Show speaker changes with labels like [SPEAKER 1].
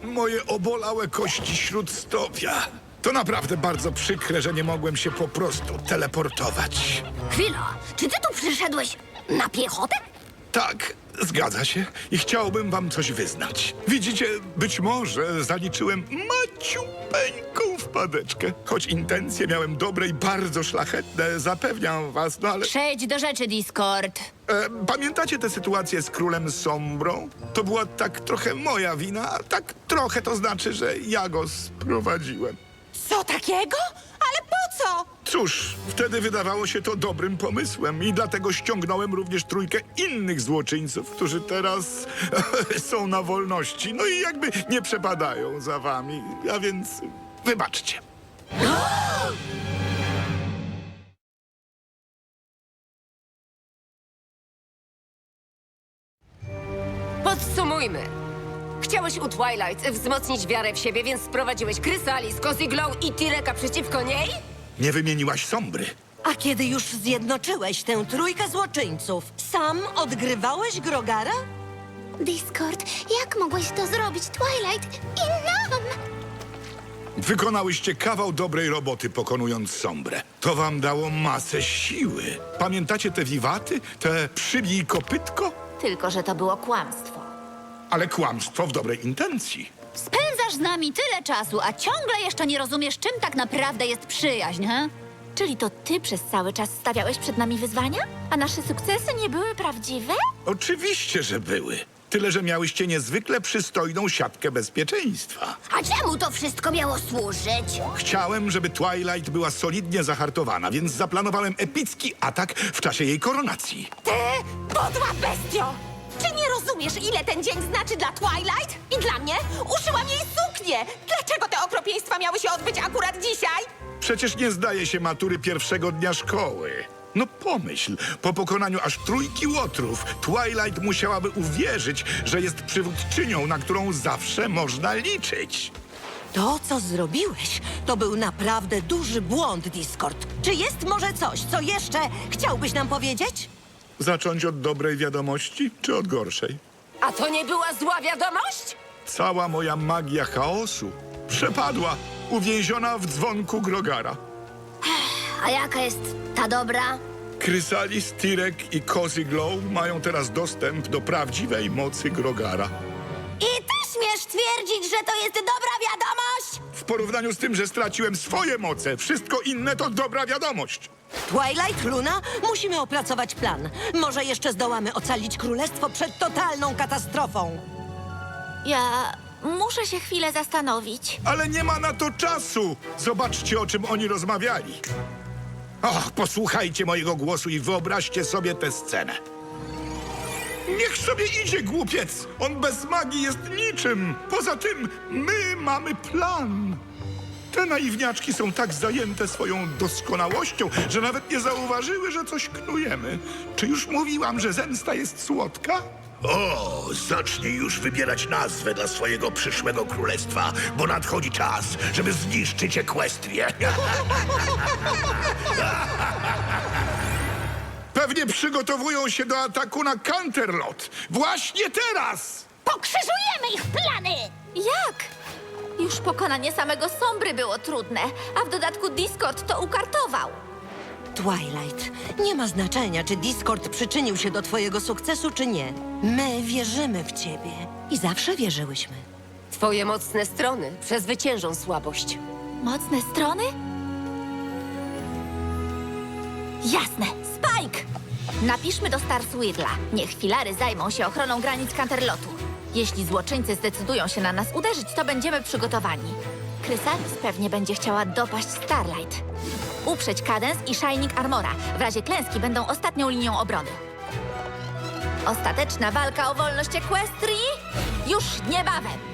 [SPEAKER 1] moje obolałe kości śródstopia. To naprawdę bardzo przykre, że nie mogłem się po prostu teleportować.
[SPEAKER 2] Chwila, czy ty tu przyszedłeś na piechotę?
[SPEAKER 1] Tak, zgadza się. I chciałbym wam coś wyznać. Widzicie, być może zaliczyłem maciupeńką wpadeczkę. Choć intencje miałem dobre i bardzo szlachetne, zapewniam was, no ale...
[SPEAKER 2] Przejdź do rzeczy, Discord.
[SPEAKER 1] Pamiętacie tę sytuację z królem Sombrą? To była tak trochę moja wina, a tak trochę to znaczy, że ja go sprowadziłem.
[SPEAKER 3] Co takiego? Ale po co?
[SPEAKER 1] Cóż, wtedy wydawało się to dobrym pomysłem i dlatego ściągnąłem również trójkę innych złoczyńców, którzy teraz są na wolności. No i jakby nie przepadają za wami, a więc wybaczcie.
[SPEAKER 4] Podsumujmy. Chciałeś u Twilight wzmocnić wiarę w siebie, więc sprowadziłeś Chrysalis, Cozy Glow i Tireka przeciwko niej?
[SPEAKER 1] Nie wymieniłaś Sombry.
[SPEAKER 3] A kiedy już zjednoczyłeś tę trójkę złoczyńców, sam odgrywałeś Grogara?
[SPEAKER 5] Discord, jak mogłeś to zrobić Twilight i nam?
[SPEAKER 1] Wykonałyście kawał dobrej roboty, pokonując Sombrę. To wam dało masę siły. Pamiętacie te wiwaty? Te przybij kopytko?
[SPEAKER 2] Tylko, że to było kłamstwo.
[SPEAKER 1] Ale kłamstwo w dobrej intencji.
[SPEAKER 2] Spędzasz z nami tyle czasu, a ciągle jeszcze nie rozumiesz, czym tak naprawdę jest przyjaźń, he? Czyli to ty przez cały czas stawiałeś przed nami wyzwania? A nasze sukcesy nie były prawdziwe?
[SPEAKER 1] Oczywiście, że były. Tyle, że miałyście niezwykle przystojną siatkę bezpieczeństwa.
[SPEAKER 5] A czemu to wszystko miało służyć?
[SPEAKER 1] Chciałem, żeby Twilight była solidnie zahartowana, więc zaplanowałem epicki atak w czasie jej koronacji.
[SPEAKER 3] Ty, podła bestio! Czy nie rozumiesz, ile ten dzień znaczy dla Twilight? I dla mnie? Uszyłam jej suknię! Dlaczego te okropieństwa miały się odbyć akurat dzisiaj?
[SPEAKER 1] Przecież nie zdaje się matury pierwszego dnia szkoły. No pomyśl, po pokonaniu aż trójki łotrów, Twilight musiałaby uwierzyć, że jest przywódczynią, na którą zawsze można liczyć.
[SPEAKER 3] To, co zrobiłeś, to był naprawdę duży błąd, Discord. Czy jest może coś, co jeszcze chciałbyś nam powiedzieć?
[SPEAKER 1] Zacząć od dobrej wiadomości, czy od gorszej?
[SPEAKER 4] A to nie była zła wiadomość?
[SPEAKER 1] Cała moja magia chaosu przepadła, uwięziona w dzwonku Grogara.
[SPEAKER 5] A jaka jest ta dobra?
[SPEAKER 1] Chrysalis, Tirek i Cozy Glow mają teraz dostęp do prawdziwej mocy Grogara.
[SPEAKER 5] I ty śmiesz twierdzić, że to jest dobra wiadomość?
[SPEAKER 1] W porównaniu z tym, że straciłem swoje moce, wszystko inne to dobra wiadomość.
[SPEAKER 3] Twilight, Luna, musimy opracować plan. Może jeszcze zdołamy ocalić królestwo przed totalną katastrofą.
[SPEAKER 2] Ja muszę się chwilę zastanowić.
[SPEAKER 1] Ale nie ma na to czasu. Zobaczcie, o czym oni rozmawiali. Och, posłuchajcie mojego głosu i wyobraźcie sobie tę scenę. Niech sobie idzie, głupiec. On bez magii jest niczym. Poza tym, my mamy plan. Te naiwniaczki są tak zajęte swoją doskonałością, że nawet nie zauważyły, że coś knujemy. Czy już mówiłam, że zemsta jest słodka?
[SPEAKER 6] O, zacznij już wybierać nazwę dla swojego przyszłego królestwa, bo nadchodzi czas, żeby zniszczyć Ekwestrię.
[SPEAKER 1] Pewnie przygotowują się do ataku na Canterlot. Właśnie teraz!
[SPEAKER 5] Pokrzyżujemy ich plany!
[SPEAKER 2] Jak? Już pokonanie samego Sombry było trudne, a w dodatku Discord to ukartował.
[SPEAKER 3] Twilight, nie ma znaczenia, czy Discord przyczynił się do twojego sukcesu, czy nie. My wierzymy w ciebie i zawsze wierzyłyśmy.
[SPEAKER 4] Twoje mocne strony przezwyciężą słabość.
[SPEAKER 2] Mocne strony? Jasne, Spike! Napiszmy do Starsweedla. Niech filary zajmą się ochroną granic Canterlotu. Jeśli złoczyńcy zdecydują się na nas uderzyć, to będziemy przygotowani. Chrysalis pewnie będzie chciała dopaść Starlight. Uprzeć Cadence i Shining Armora. W razie klęski będą ostatnią linią obrony. Ostateczna walka o wolność Equestrii już niebawem.